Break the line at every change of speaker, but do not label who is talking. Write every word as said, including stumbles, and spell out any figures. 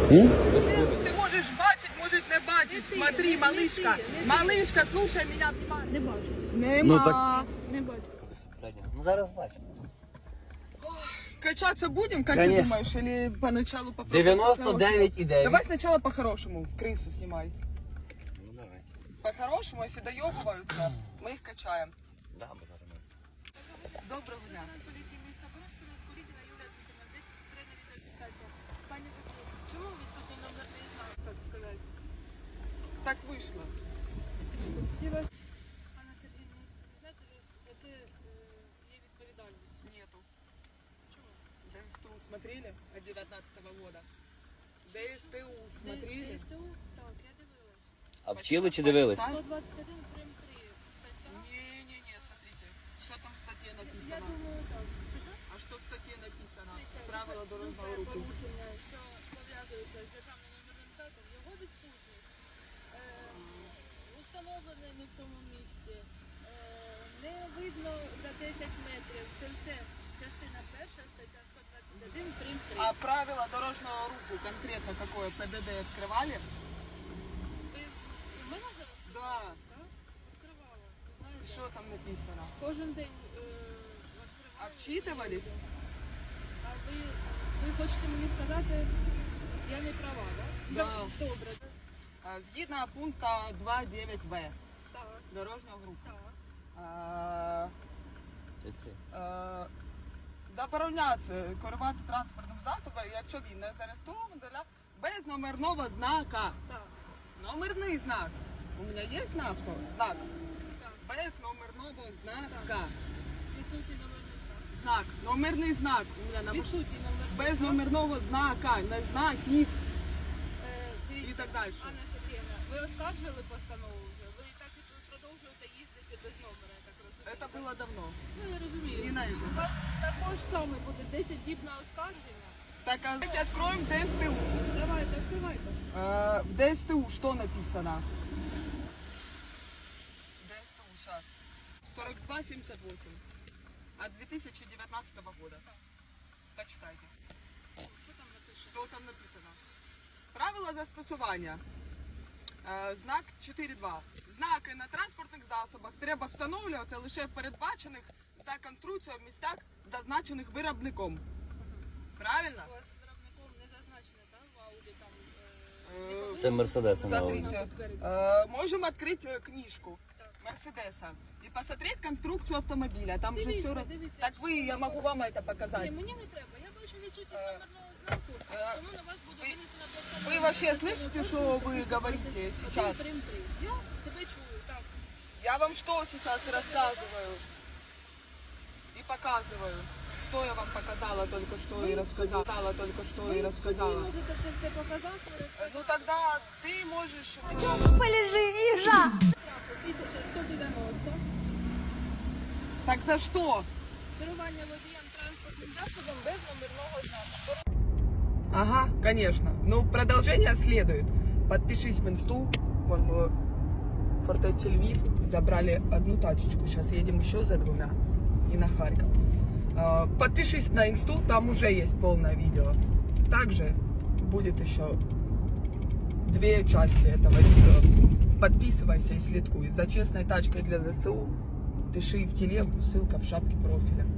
М?
Ты можешь бачить, может не бачить. Смотри, малышка. Малышка, слушай меня внимательно.
Не бачу.
Нема.
Ну, так-
Не бачу.
Ну зараз бачу.
Качаться будем, как
Конечно.
ты думаешь, или поначалу попробуем?
дев'яносто дев'ять і дев'ять.
Давай сначала по-хорошему, крысу снимай.
Ну давай.
По-хорошему, если доебываются, мы их качаем.
Да, бо зараз ми.
Доброго дня.
Поліції міста Бориспіля, Скорітіна Юлія Дмитрівна, десять скринна відеофіксація. Пані Тетяно, чому відсутній номерний знак, так сказати?
Так вышло.
Анна Сергіївна, ви знаєте, що за це е, є відповідальність?
Нету.
Чому?
ДСТУ смотрели от девятнадцатого года? ДСТУ смотрели?
ДСТУ? Так, я дивилась.
А вчили чи дивились?
сто двадцять один прим три стаття.
Не-не-не, смотрите. Что там в статье
Я
написано?
думаю, так. Що, що?
А что в статье написано?
Дивіться,
Правила
група
дорожного руху.
порушення, що пов'язується з державним номерним знаком, його відсутність, е, установлений не в тому місці, е, не видно за десять метрів, це все частина перша, стаття сто двадцять один, прим три.
А правила дорожного руху конкретно какое? ПДД открывали?
Ви у мене зараз?
Да.
Так? Відкривала. Знаєте,
Что там написано?
кожен день е,
А
відкриваю.
вчитывались?
А ви, ви хочете мені сказати, я не права, так?
Да.
Добре.
А, Згідно пункта два дев'ять В
Так,
дорожнього руху.
так.
А,
Відкрий.
е, Забороняється керувати транспортним засобом, якщо він не зареєстрований для без номерного знака.
Так,
Номерний знак. У мене є на авто? Знак.
так.
Без номерного знака.
Відсутній номерний знак.
Знак. Номерний знак. У мене на машині.
Відсутній номерний
Без номерного знака. Не знаків
Е,
і
дивіться,
так далі.
Анна Сергіївна, ви оскаржили постанову вже? Ви так і продовжуєте їздити без номера, я так розумію?
Це було давно.
Ну, я розумію.
Не на это.
У вас також саме буде десять діб на оскарження.
Так, а давайте откроем ДСТУ.
Давайте, відкривайте.
Э, В ДСТУ что написано? ДСТУ сейчас. сорок два семьдесят восемь. От две тысячи девятнадцатого года. Почитайте.
Що там написано?
Что там написано? Правила застосування. Е, Знак чотири два. Знаки на транспортних засобах треба встановлювати лише в передбачених за конструкцією місцях, зазначених виробником. Правильно?
У вас виробником не зазначено, так? В ауді там...
Е,
Це Мерседес.
Смотрите, э, можем открыть э, книжку Мерседеса и посмотреть конструкцию автомобиля. Там же
Дивіться,
все... раз-
дивіться,
Так
якщо
вы, я
ви
могу вам это
Ні,
показать.
мені не треба. Я бачу відсутність
Е,
номерного знаку,
е,
тому на вас буде
ви-
винесена постанова.
Вы вообще слышите, что вы говорите сейчас?
Прим три. Я себе чую, так.
Я вам что сейчас рассказываю и показываю. Что я вам показала только что и рассказала, только что и
Ви
рассказала.
можете це все показати,
Э,
розказати.
Ну тогда ты можешь...
Полежи, їжа!
тисяча сто дев'яносто.
Так за что?
Керування водієм транспортним засобом без номерного знаку.
Ага, конечно. Ну, продолжение следует. Подпишись в инсту. Вон мы в фортеце Львив забрали одну тачечку. Сейчас едем еще за двумя. И на Харьков. А, Подпишись на инсту, там уже есть полное видео. Также будет еще две части этого видео. Подписывайся и слідкуй. За честной тачкой для ЗСУ пиши в телегу, ссылка в шапке профиля.